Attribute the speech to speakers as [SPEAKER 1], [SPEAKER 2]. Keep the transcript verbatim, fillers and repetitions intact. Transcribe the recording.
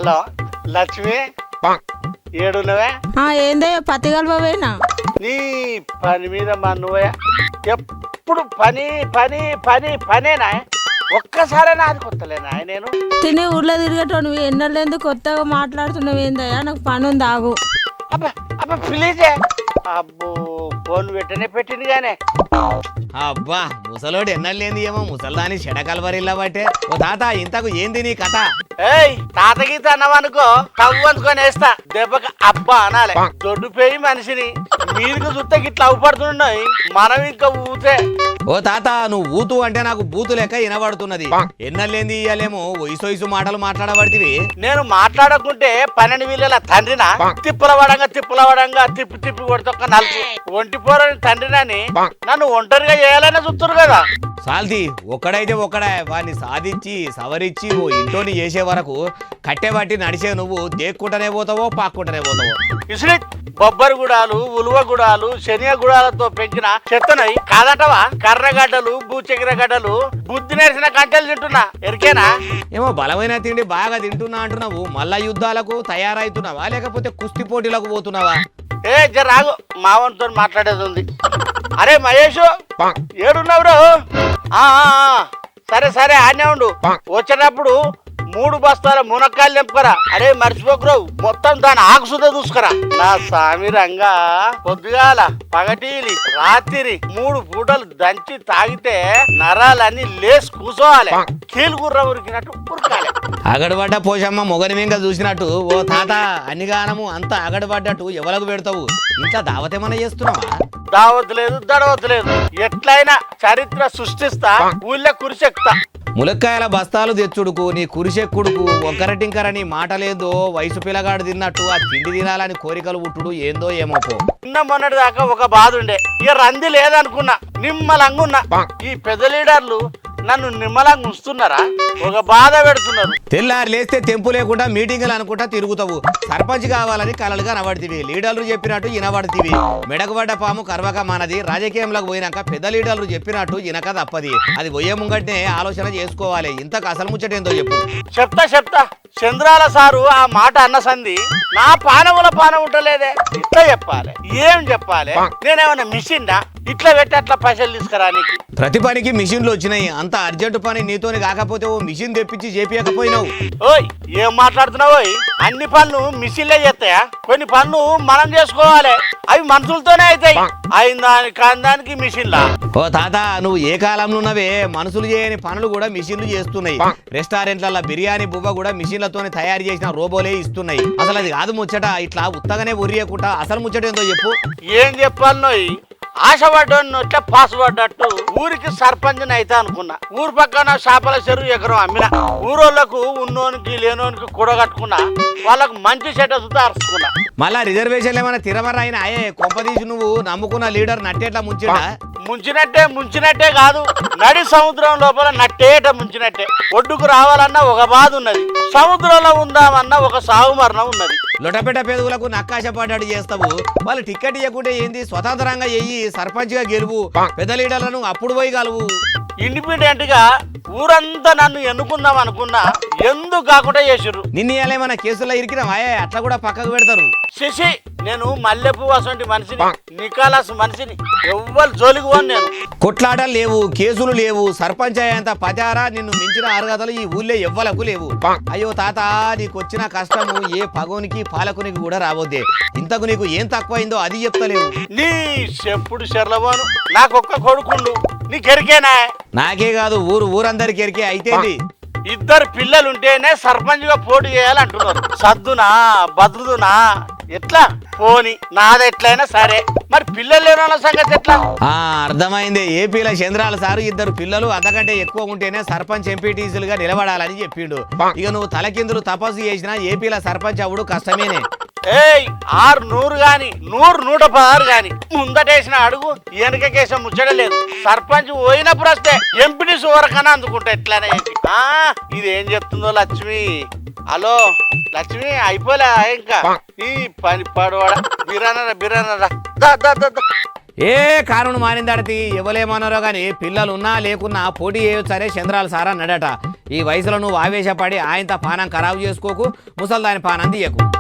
[SPEAKER 1] Hello Lakshmi ఏడున్నవే?
[SPEAKER 2] ఏందయ్యా పత్తి కలపవేనా?
[SPEAKER 1] నీ పని మీద మన్నువే ఎప్పుడు పని పని పని పనేనా? ఒక్కసారైనా అది కొత్తలేనా? నేను
[SPEAKER 2] తినే ఊర్లో తిరిగేటోను ఎన్నెళ్ళేందుకు కొత్తగా మాట్లాడుతున్నావు ఏందయ్యా? నాకు పని ఉంది ఆగు.
[SPEAKER 1] అబ్బా అబ్బా ప్లీజే. అబ్బో ఫోన్ పెట్టనే పెట్టింది గానే.
[SPEAKER 3] అబ్బా ముసలోడు ఎన్నలేంది ఏమో ముసల్దాని చెడకలవరిల్లా బట్టే. ఓ తాత ఇంతకు ఏంది నీ కథ?
[SPEAKER 1] ఏయ్ తాత గీత అన్నవనుకో కవ్వు అందుకొని వేస్తా దెబ్బకి అబ్బా అనాలే. దొడ్డుపోయి మనిషిని మీదికి చూస్తే గిట్లా అవ్వపడుతున్నాయి మనం ఇంకా ఊతే.
[SPEAKER 3] ఓ తాత నువ్వు ఊతు అంటే నాకు బూతు లెక్క వినబడుతున్నది. ఎన్నలేంది ఇయ్యాలేమో వయసు వయసు మాటలు మాట్లాడబడితివి.
[SPEAKER 1] నేను మాట్లాడకుంటే పన్నెండు వీళ్ళ తండ్రినా? తిప్పుల వడంగా తిప్పుల వడంగా తిప్పి తిప్పి కొడుతొక్క నలుపు ఒంటి పోరని తండ్రినని నన్ను ఒంటరిగా చేయాలనే చూస్తున్నారు కదా.
[SPEAKER 3] సాల్ది ఒక్కడైతే ఒక్కడా వాడిని సాధించి సవరించి ఓ ఇంటోని చేసే వరకు కట్టెబట్టి నడిచే నువ్వు దేక్కుంటనే పోతావో పాక్కుంటనే పోతావో.
[SPEAKER 1] ఇసుడి బొబ్బరి గుడాలు ఉలువ గుడాలు శనియ గుడాలతో పెంచిన చెత్తనై కాదటవా? కర్రగడ్డలు బూచెగిర గడ్డలు బుద్ధి నేర్చిన కంచెలు తింటున్నా ఎరికేనా?
[SPEAKER 3] ఏమో బలమైన తిండి బాగా తింటున్నా అంటున్నావు. మళ్ళా యుద్ధాలకు తయారైతున్నావా లేకపోతే కుస్తీ పోటీలకు పోతున్నావా?
[SPEAKER 1] ఏ జర రాగు మావంతో మాట్లాడేది ఉంది. అరే మహేష్ ఏడున్నావురు? సరే సరే ఆనే ఉండు. వచ్చేటప్పుడు మూడు బస్తాల మునక్కాయలు నింపుకరా. అరే మర్చిపోకురావు మొత్తం దాని ఆకు సుధ చూసుకురా. నా సామి రంగా పొద్దుగాల పగటీలి రాత్రి మూడు పూటలు దంచి తాగితే నరాలన్నీ లేసి కూసోవాలి. కీలు గుర్ర ఉరికినట్టు ఉరకాలి.
[SPEAKER 3] అగడబడ్డ పోషమ్మ మొగని వెంక చూసినట్టు ఓ తాత అన్నిగానము అంత అగడబడ్డట్టు ఎవలకు పెడతావు? ఇంట్లో దావతేమన్నా చేస్తున్నావా?
[SPEAKER 1] దావత్ లేదు దడవత్ లేదు. ఎట్లయినా చరిత్ర సృష్టిస్తా ఊళ్ళో కురిసెక్తా.
[SPEAKER 3] ములక్కాయల బస్తాలు తెచ్చుడుకు నీ కురిసెక్కుడుకు ఒక్కరటింకరని మాట లేదో వయసు పిల్లగాడు తిన్నట్టు ఆ తిండి తినాలని కోరికలు పుట్టుడు ఏందో ఏమో పో.
[SPEAKER 1] నిన్న మొన్నటి దాకా ఒక బాధ ఉండే, ఇక రంది లేదనుకున్నా, నిమ్మలంగున్నా. ఈ పెద్ద లీడర్లు నన్ను నిమ్మలంగా ఉంచుతున్నారా? ఒక బాధ పెడుతున్నారు.
[SPEAKER 3] తెల్లారి లేస్తే తెంపు లేకుండా మీటింగులు అనుకుంటా తిరుగుతావు. సర్పంచ్ కావాలని కలలుగా నవడుతీవి. లీడర్లు చెప్పినట్టు ఇనబడుతీవి. మెడకబడ్డ పాము కర్వక మానది. రాజకీయంలోకి పోయినాక పెద్ద లీడర్లు చెప్పినట్టు ఇనక తప్పది. అది పోయే ముంగట్నే ఆలోచన చేసుకోవాలి. ఇంతకు అసలు ముచ్చటేందో చెప్పు.
[SPEAKER 1] చెప్తా చెప్తా. చంద్రాల సారు ఆ మాట అన్న సంది నా పానముల పానం ఉంటలేదే. ఇట్లా చెప్పాలి, ఏం చెప్పాలి? నేనేమన్నా మిషన్డా ఇట్లా పెట్టి అట్లా పైసలు తీసుకురా? నీకు
[SPEAKER 3] ప్రతి పనికి మిషన్లు వచ్చినాయి. అంత అర్జెంటు పని నీతోని కాకపోతే ఓ మిషన్ తెప్పించి చేపియకపోయినావు.
[SPEAKER 1] ఓయ్ ఏం మాట్లాడుతున్నావు? అన్ని పనులు మిషన్లే చేస్తాయా? కొన్ని పనులు మనం చేసుకోవాలి. అవి మనుషులతోనే అవుతాయి. అయిన దాని కాని దానికి మిషన్లా?
[SPEAKER 3] ఓ తాత నువ్వు ఏ కాలంలో ఉన్నవే? మనుషులు చేయని పనులు కూడా మిషన్లు చేస్తున్నాయి. రెస్టారెంట్ల బిర్యానీ బువ్వ కూడా మిషన్లతోనే తయారు చేసిన రోబోలే ఇస్తున్నాయి. అసలు అది కాదు ముచ్చట. ఇట్లా ఉత్తగానే ఉరియకుండా అసలు ముచ్చట ఏందో చెప్పు.
[SPEAKER 1] ఏం చెప్పాలి? ఆశపడ్డాను ఇట్లా పాస్ పడ్డట్టు ఊరికి సర్పంచ్ అయితే అనుకున్నా. ఊరు పక్కన చేపల చెరువు ఎకరం అమ్మిన. ఊరోళ్ళకు ఉన్నోనికి లేనోనికి కూడగట్టుకున్నా. వాళ్ళకు మంచి చెడ్డ సుతా అరుచుకున్నా.
[SPEAKER 3] మళ్ళా రిజర్వేషన్లు ఏమైనా తిరమరా అయినా అయ్యే కొంపదీసి నువ్వు నమ్ముకున్న లీడర్ నట్టేట్లా ముంచిడా?
[SPEAKER 1] ముంచినట్టే ముంచినట్టే కాదు, నడి సముద్రం లోపల నట్టేట ముంచినట్టే. ఒడ్డుకు రావాలన్నా ఒక బాధ ఉన్నది, సముద్రంలో ఉందామన్నా ఒక సాగు మరణం ఉన్నది.
[SPEAKER 3] లొటపెట పెదవులకు నక్కాశ పడ్డాడు చేస్తావు. వాళ్ళు టికెట్ ఇవ్వకుంటే ఏంది? స్వతంత్రంగా ఎయ్యి సర్పంచ్ గా గెలువు. పెద్ద లీడర్లను అప్పుడు పోయి గలువు.
[SPEAKER 1] ఇండిపెండెంట్ గా ఊరంతా నన్ను ఎన్నుకుందాం అనుకున్నా, ఎందుకు కాకుండా చేసిర్రు.
[SPEAKER 3] నిన్న ఏమైనా కేసుల్లో ఇరికినా? అట్లా కూడా పక్కకు పెడతారు.
[SPEAKER 1] శశి నేను మల్లెపు అసంటి మనిషిని, నికాలస్ మనిషిని. ఎవ్వరు జోలికి పోను నేను.
[SPEAKER 3] కొట్లాటలు లేవు, కేసులు లేవు. సర్పంచ్ అయ్యేంత పచారా నిన్ను మించిన అర్హతలు ఈ ఊళ్ళో ఎవ్వలకు లేవు. అయ్యో తాత నీకు వచ్చిన కష్టము ఏ పగోనికి పాలకునికి కూడా రావద్దే. ఇంతకు నీకు ఏం తక్కువైందో అది చెప్తలేవు.
[SPEAKER 1] నీ చెప్పుడు చెర్లబోను. నాకొక్క కొడుకుండు, నీకెరికేనా?
[SPEAKER 3] నాకే కాదు ఊరు ఊరందరికి ఎరికే. అయితేంది?
[SPEAKER 1] ఇద్దరు పిల్లలుంటేనే సర్పంచ్ గా పోటీ చేయాలంటున్నారు. సద్దునా బదులునా ఎట్లా పోని నాది ఎట్లయినా సరే, మరి పిల్లలు లేని సంగతి ఎట్లా?
[SPEAKER 3] ఆ అర్థమైంది. ఏపీల చంద్రాల సారు ఇద్దరు పిల్లలు అంతకంటే ఎక్కువ ఉంటేనే సర్పంచ్ ఎంపీటీసీలుగా నిలబడాలని చెప్పిండు. ఇక నువ్వు తలకిందులు తపస్సు చేసినా ఏపీల సర్పంచ్ అవుడు కష్టమేనే.
[SPEAKER 1] ఏయ్ ఆరు నూరు గాని నూరు నూట పదహారు గాని ముందటేసిన అడుగు వెనకకేసం ముచ్చడలేదు. సర్పంచ్ పోయినప్పుడు వస్తే ఎంపీటీ వరకన్నా అందుకుంటా ఎట్లానే. ఆ ఇదేం చెప్తుందో లక్ష్మి. హలో లక్ష్మి అయిపోలే ఇంకా ఈ పని పడవాడ బిరానరా బిరానరా.
[SPEAKER 3] ఏ కారణం మారిందడతి ఎవలేమన్నారో గాని పిల్లలున్నా లేకున్నా పోటీ చేయొచ్చనే చంద్రాల సారా నడట. ఈ వయసులో నువ్వు ఆవేశపడి ఆయనతో పానం ఖరాబు చేసుకోకు, ముసల్దాని పానం తీయకు.